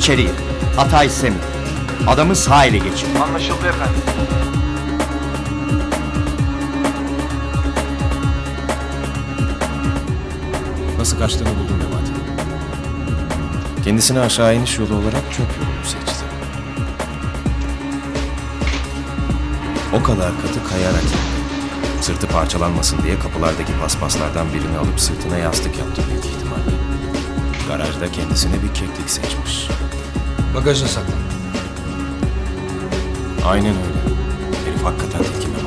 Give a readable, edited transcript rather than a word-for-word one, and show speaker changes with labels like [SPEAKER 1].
[SPEAKER 1] içeriye. Hata istemiyorum. Adamı sağ ele geçir.
[SPEAKER 2] Anlaşıldı efendim.
[SPEAKER 3] Nasıl kaçtığını buldum Memati. Kendisine aşağı iniş yolu olarak çöp yolunu seçti. O kadar katı kayarak indi. Sırtı parçalanmasın diye kapılardaki paspaslardan birini alıp sırtına yastık yaptı büyük ihtimalle. Garajda kendisine bir keklik seçmiş.
[SPEAKER 4] Bagajda saklan.
[SPEAKER 3] Aynen öyle. Herif hakikaten tilki Memati.